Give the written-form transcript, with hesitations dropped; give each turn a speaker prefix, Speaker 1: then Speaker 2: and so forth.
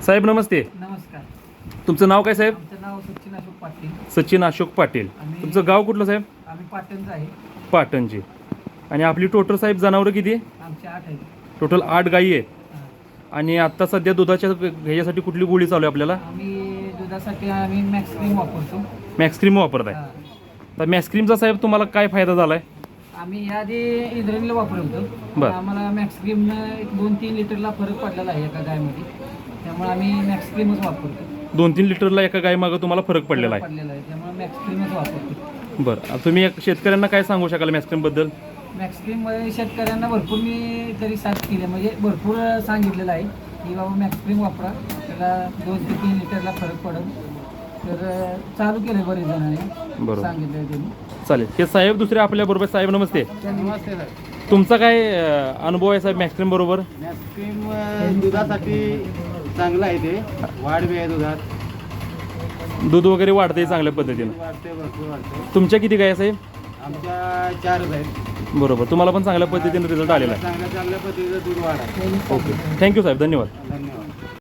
Speaker 1: साहेब नमस्ते.
Speaker 2: नमस्कार.
Speaker 1: तुमचं नाव काय साहेब?
Speaker 2: आमचं नाव सचिन अशोक पाटील.
Speaker 1: सचिन अशोक पाटील. तुमचं गाव कुठलं साहेब?
Speaker 2: आम्ही पाटणचं आहे.
Speaker 1: पाटणची. आणि आपली टोटल साहेब जनावरं किती आहे?
Speaker 2: आमचे 8 आहेत.
Speaker 1: टोटल 8 गायी आहेत.
Speaker 2: हां.
Speaker 1: आणि आत्ता सध्या दुधाच्या ह्याच्यासाठी कुठली गोळी चालू आहे आपल्याला?
Speaker 2: आम्ही दुधासाठी आम्ही मॅक्स क्रीम वापरतो.
Speaker 1: मॅक्स क्रीम वापरताय.
Speaker 2: हां.
Speaker 1: तर मॅक्स क्रीमचा साहेब तुम्हाला काय फायदा झाला आहे?
Speaker 2: आम्ही याआधी इंद्रायणीला वापरत होतो.
Speaker 1: बरं.
Speaker 2: आम्हाला मॅक्स क्रीमनं 2-3 लिटरला फरक पडलेला आहे एका गायमध्ये. त्यामुळे आम्ही मॅक्स क्रीमच वापरतो.
Speaker 1: 2-3 लिटरला एका गायीमागं तुम्हाला फरक पडलेला आहे.
Speaker 2: त्यामुळे मॅक्स क्रीमच वापरतो.
Speaker 1: बरं, तुम्ही एक शेतकऱ्यांना काय सांगू शकाल मॅक्स क्रीमबद्दल?
Speaker 2: मॅक्स क्रीममध्ये शेतकऱ्यांना भरपूर मी तरी साथ केली, म्हणजे भरपूर सांगितलेलं आहे की बाबा मॅक्स क्रीम वापरा, त्याला 2 ते 3 लिटरला फरक पडेल. तर चालू केलं बरेच जणांनी,
Speaker 1: बरोबर.
Speaker 2: सांगितलं त्यांनी.
Speaker 1: चालेल. हे साहेब दुसरे आपल्याबरोबर. साहेब नमस्ते.
Speaker 2: नमस्ते सर.
Speaker 1: तुमचा काय अनुभव आहे साहेब मॅक्स क्रीम बरोबर?
Speaker 3: मॅक्स क्रीम दुधासाठी चांगलं आहे. ते वाढ बी आहे दुधात,
Speaker 1: दूध वगैरे वाढते चांगल्या पद्धतीनं.
Speaker 3: वाढते, भरपूर वाढते.
Speaker 1: तुमच्या किती गाय आहे साहेब?
Speaker 3: आमच्या 4 आहेत.
Speaker 1: बरोबर. तुम्हाला पण चांगल्या पद्धतीने रिझल्ट आलेला आहे.
Speaker 3: चांगल्या पद्धतीचं दूध वाढ आहे.
Speaker 1: ओके, थँक्यू साहेब, धन्यवाद.
Speaker 3: धन्यवाद.